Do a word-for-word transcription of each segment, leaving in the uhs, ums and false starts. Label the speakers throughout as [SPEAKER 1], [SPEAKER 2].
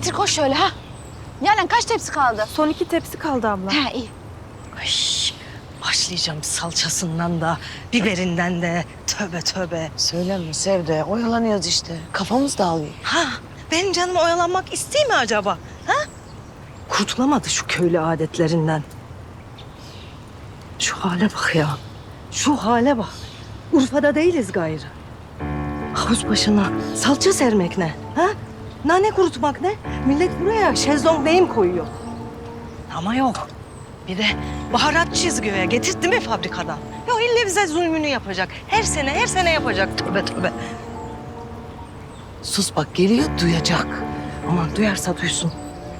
[SPEAKER 1] getir koş şöyle ha. Yani kaç tepsi kaldı?
[SPEAKER 2] Son iki tepsi kaldı abla.
[SPEAKER 1] Ha iyi.
[SPEAKER 3] Ay, başlayacağım salçasından da, biberinden de. Tövbe tövbe.
[SPEAKER 4] Söyleme Sevde, oyalanıyoruz işte. Kafamız dağılıyor.
[SPEAKER 3] Ha, benim canım oyalanmak istiyor mi acaba? Ha? Kurtulamadı şu köylü adetlerinden. Şu hale bak ya. Şu hale bak. Urfa'da değiliz gayrı. Havuz başına salça sermek ne? Ha? Nane kurutmak ne? Millet buraya şezlong neyim koyuyor? Ama yok. Bir de baharat çizgiye getirtti mi fabrikadan? Yok illa bize zulmünü yapacak. Her sene her sene yapacak. Tövbe tövbe.
[SPEAKER 4] Sus bak geliyor, duyacak.
[SPEAKER 3] Aman duyarsa duysun.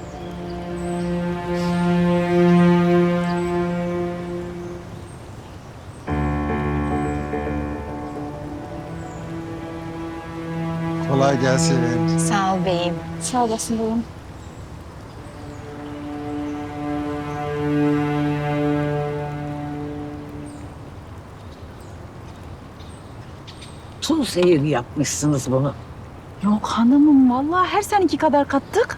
[SPEAKER 5] Kolay gelsin.
[SPEAKER 1] Sağ ol beyim.
[SPEAKER 2] Sağ olasın babam.
[SPEAKER 6] Tuz zehir yapmışsınız bunu.
[SPEAKER 2] Yok hanımım vallahi her seninki kadar kattık.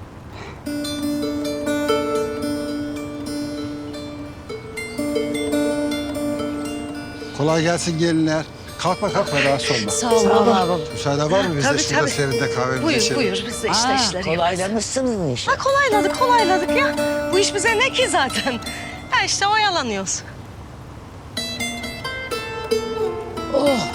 [SPEAKER 5] Kolay gelsin gelinler. Kalkma kalkma rahatsız olma.
[SPEAKER 3] Sağ ol baba. baba.
[SPEAKER 5] Müsaade var mı? Biz
[SPEAKER 3] Tabii,
[SPEAKER 5] de şurada
[SPEAKER 3] tabii.
[SPEAKER 5] serinde kahvemizi
[SPEAKER 3] Buyur
[SPEAKER 5] içelim.
[SPEAKER 3] buyur biz de işte
[SPEAKER 6] Ha,
[SPEAKER 3] işleri yaparız.
[SPEAKER 6] kolaylamışsınız işi.
[SPEAKER 3] Ha kolayladık kolayladık ya. Bu iş bize ne ki zaten? Ha işte oyalanıyoruz.
[SPEAKER 6] Oh.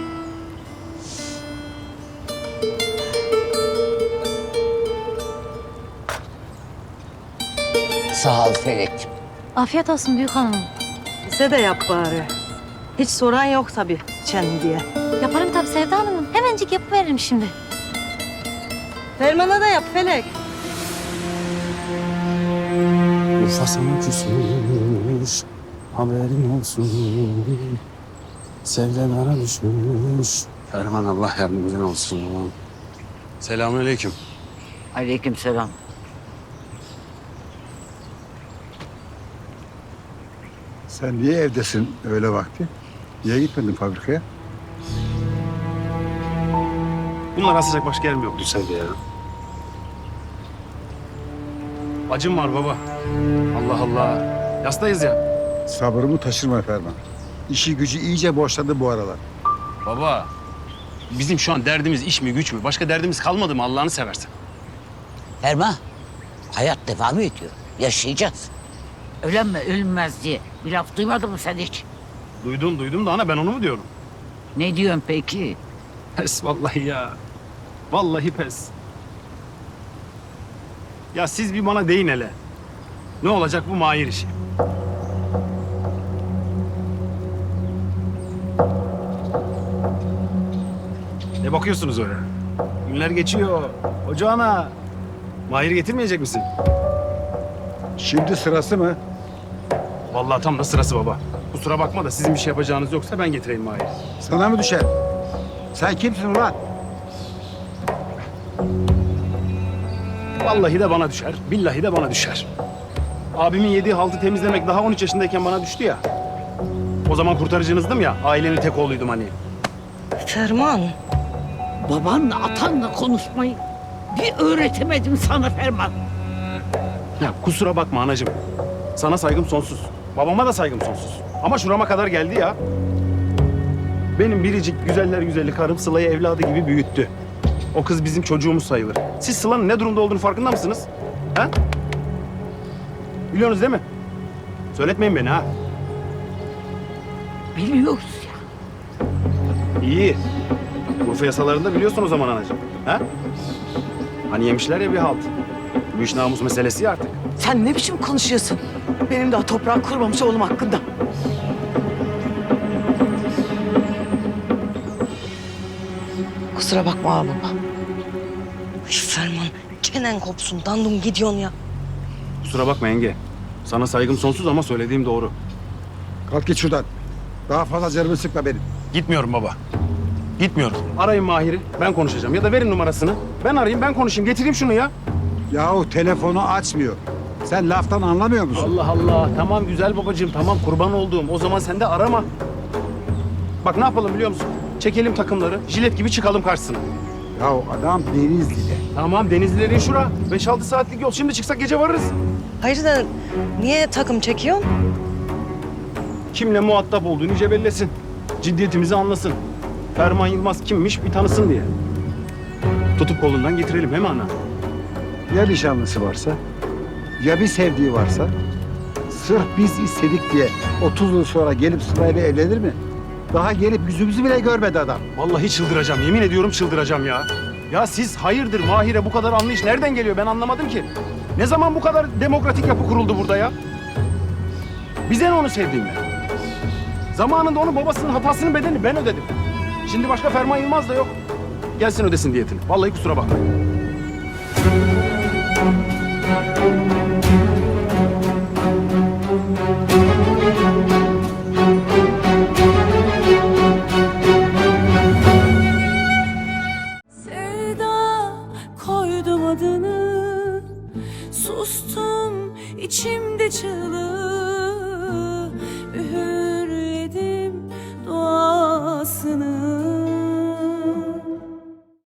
[SPEAKER 6] Sağ ol Felek.
[SPEAKER 1] Afiyet olsun büyük hanım.
[SPEAKER 3] Bize de yap bari. Hiç soran yok tabii içen diye.
[SPEAKER 1] Yaparım tabii Sevda Hanım'ın. Hemencik yapıveririm şimdi.
[SPEAKER 3] Ferman'a da yap Felek.
[SPEAKER 7] Urfa sana küsmüş, haberin olsun. Sevdalara düşmüş. Ferman Allah yardımcın olsun. Selamünaleyküm.
[SPEAKER 6] Aleykümselam.
[SPEAKER 5] Sen niye evdesin öyle vakti? Niye gitmedin fabrikaya?
[SPEAKER 7] Bunlar asacak başka yerim yoktu Sevda ya. Acım var baba. Allah Allah. Yastayız ya.
[SPEAKER 5] Sabrımı taşırma Ferman. İşi gücü iyice boşladı bu aralar.
[SPEAKER 7] Baba. Bizim şu an derdimiz iş mi güç mü? Başka derdimiz kalmadı mı Allah'ını seversen?
[SPEAKER 6] Erma, hayat devam ediyor. Yaşayacağız. Ölenme, ölünmez diye bir laf duymadın mı sen hiç?
[SPEAKER 7] Duydum duydum da ana ben onu mu diyorum?
[SPEAKER 6] Ne diyorsun peki?
[SPEAKER 7] Pes vallahi ya. Vallahi pes. Ya siz bir bana deyin hele. Ne olacak bu Mahir işi? Ne bakıyorsunuz öyle? Günler geçiyor. Ocağına Mahir getirmeyecek misin?
[SPEAKER 5] Şimdi sırası mı?
[SPEAKER 7] Vallahi tam da sırası baba. Kusura bakma da sizin bir şey yapacağınız yoksa ben getireyim Mahir'i.
[SPEAKER 5] Sana mı düşer? Sen kimsin ulan?
[SPEAKER 7] Vallahi de bana düşer, billahi de bana düşer. Abimin yediği haltı temizlemek daha on üç yaşındayken bana düştü ya. O zaman kurtarıcınızdım ya, ailenin tek oğluydum hani.
[SPEAKER 3] Ferman.
[SPEAKER 6] Babanla atanla konuşmayı bir öğretemedim sana Ferman.
[SPEAKER 7] Ya kusura bakma anacığım. Sana saygım sonsuz. Babama da saygım sonsuz. Ama şurama kadar geldi ya. Benim biricik güzeller güzeli karım Sıla'yı evladı gibi büyüttü. O kız bizim çocuğumuz sayılır. Siz Sıla'nın ne durumda olduğunu farkında mısınız? Ha? Biliyorsunuz değil mi? Söyletmeyin beni ha.
[SPEAKER 6] Biliyoruz ya.
[SPEAKER 7] İyi. Urfa yasalarında biliyorsun o zaman anacığım. Ha? Hani yemişler ya bir halt. Bu iş namus meselesi ya artık.
[SPEAKER 4] Sen ne biçim konuşuyorsun? Benim daha toprağı kurmamış oğlum hakkında. Kusura bakma ağlama.
[SPEAKER 3] Ay Ferman çenen kopsun dandum gidiyorsun ya.
[SPEAKER 7] Kusura bakma yenge. Sana saygım sonsuz ama söylediğim doğru.
[SPEAKER 5] Kalk git şuradan. Daha fazla canımı sıkma benim.
[SPEAKER 7] Gitmiyorum baba. Gitmiyorum. Arayın Mahir'i. Ben konuşacağım. Ya da verin numarasını. Ben arayayım, ben konuşayım. Getireyim şunu ya.
[SPEAKER 5] Yahu telefonu açmıyor. Sen laftan anlamıyor musun?
[SPEAKER 7] Allah Allah. Tamam güzel babacığım. Tamam kurban olduğum. O zaman sen de arama. Bak ne yapalım biliyor musun? Çekelim takımları. Jilet gibi çıkalım karşısına.
[SPEAKER 5] Ya adam Denizli'de.
[SPEAKER 7] Tamam Denizlilerin şura. beş altı saatlik yol. Şimdi çıksak gece varırız.
[SPEAKER 3] Hayır da niye takım çekiyorsun?
[SPEAKER 7] Kimle muhatap olduğunu iyice bellesin. Ciddiyetimizi anlasın. Ferman Yılmaz kimmiş bir tanısın diye. Tutup kolundan getirelim he mi ana?
[SPEAKER 5] Ya nişanlısı varsa? Ya bir sevdiği varsa? Sırf biz istedik diye otuz yıl sonra gelip sırayla evlenir mi? Daha gelip yüzümüzü bile görmedi adam.
[SPEAKER 7] Vallahi çıldıracağım. Yemin ediyorum çıldıracağım ya. Ya siz hayırdır Mahir'e bu kadar anlayış nereden geliyor ben anlamadım ki. Ne zaman bu kadar demokratik yapı kuruldu burada ya? Bize ne onu sevdiğimle? Zamanında onun babasının hatasının bedelini ben ödedim. Şimdi başka Ferman Yılmaz da yok. Gelsin ödesin diyetini. Vallahi kusura bakmayın.
[SPEAKER 8] Sevda koydum adını, sustum içimde çığlık.